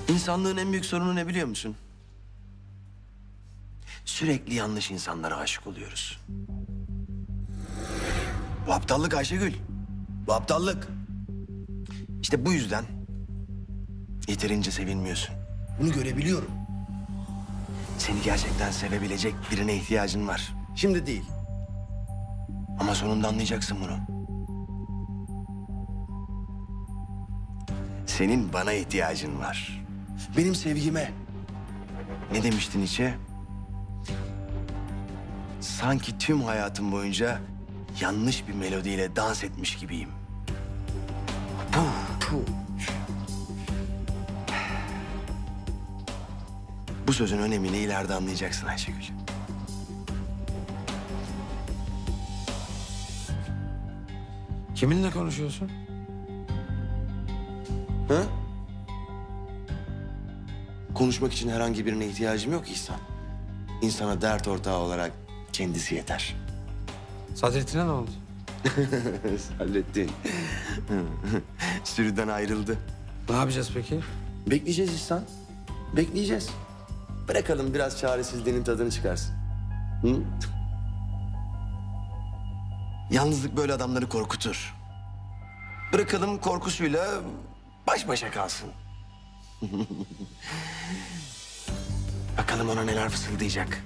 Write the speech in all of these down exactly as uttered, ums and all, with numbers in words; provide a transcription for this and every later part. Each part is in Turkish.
İnsanlığın en büyük sorunu ne biliyor musun? Sürekli yanlış insanlara aşık oluyoruz. Bu aptallık Ayşegül. Bu aptallık. İşte bu yüzden yeterince sevilmiyorsun. Bunu görebiliyorum. Seni gerçekten sevebilecek birine ihtiyacın var. Şimdi değil. Ama sonunda anlayacaksın bunu. Senin bana ihtiyacın var. Benim sevgime. Ne demiştin içe? Sanki tüm hayatım boyunca yanlış bir melodiyle dans etmiş gibiyim. Puh, puh. Bu sözün önemini ileride anlayacaksın Ayşegül. Kiminle konuşuyorsun? Ha? Konuşmak için herhangi birine ihtiyacım yok İhsan. İnsana dert ortağı olarak kendisi yeter. Sadrettin'e ne oldu? Hallettin. Sürüden ayrıldı. Ne yapacağız peki? Bekleyeceğiz İhsan. Bekleyeceğiz. Bırakalım biraz çaresizliğinin tadını çıkarsın. Hı? Yalnızlık böyle adamları korkutur. Bırakalım korkusuyla baş başa kalsın. Bakalım ona neler fısıldayacak.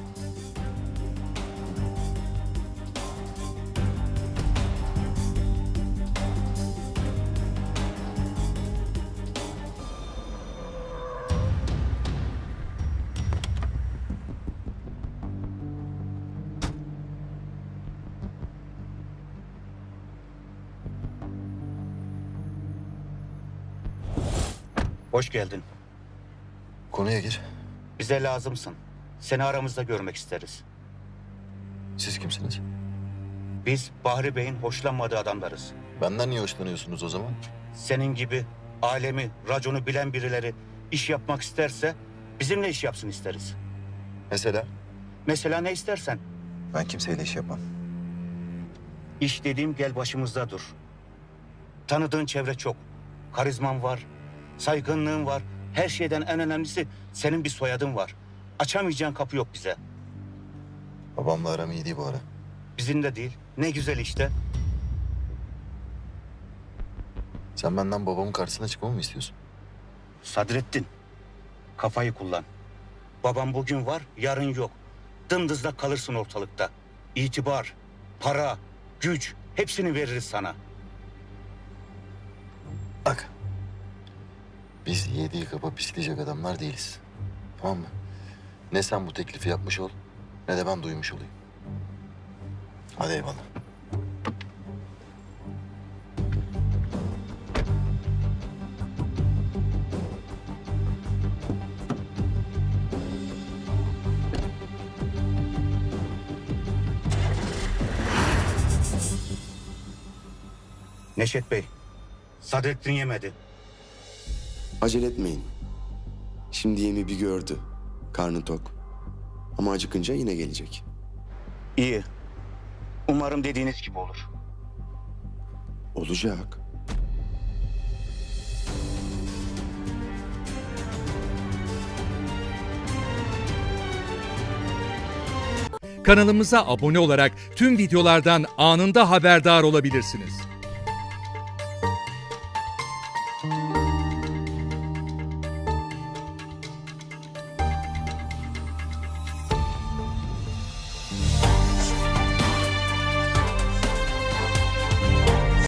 Hoş geldin. Konuya gir. Bize lazımsın. Seni aramızda görmek isteriz. Siz kimsiniz? Biz Bahri Bey'in hoşlanmadığı adamlarız. Benden niye hoşlanıyorsunuz o zaman? Senin gibi alemi, raconu bilen birileri iş yapmak isterse bizimle iş yapsın isteriz. Mesela? Mesela ne istersen. Ben kimseyle iş yapmam. İş dediğim gel başımızda dur. Tanıdığın çevre çok. Karizman var, saygınlığın var. Her şeyden en önemlisi senin bir soyadın var. Açamayacağın kapı yok bize. Babamla aram iyi değil bu ara. Bizim de değil. Ne güzel işte. Sen benden babamın karşısına çıkmamı mı istiyorsun? Sadrettin, kafayı kullan. Babam bugün var, yarın yok. Dımdızlak kalırsın ortalıkta. İtibar, para, güç hepsini veririz sana. Bak. Biz yediği kapa pisleyecek adamlar değiliz. Tamam mı? Ne sen bu teklifi yapmış ol, ne de ben duymuş olayım. Hadi eyvallah. Neşet Bey, Sadrettin yemedi. Acele etmeyin. Şimdi yemi bir gördü. Karnı tok. Ama acıkınca yine gelecek. İyi. Umarım dediğiniz gibi olur. Olacak. Kanalımıza abone olarak tüm videolardan anında haberdar olabilirsiniz.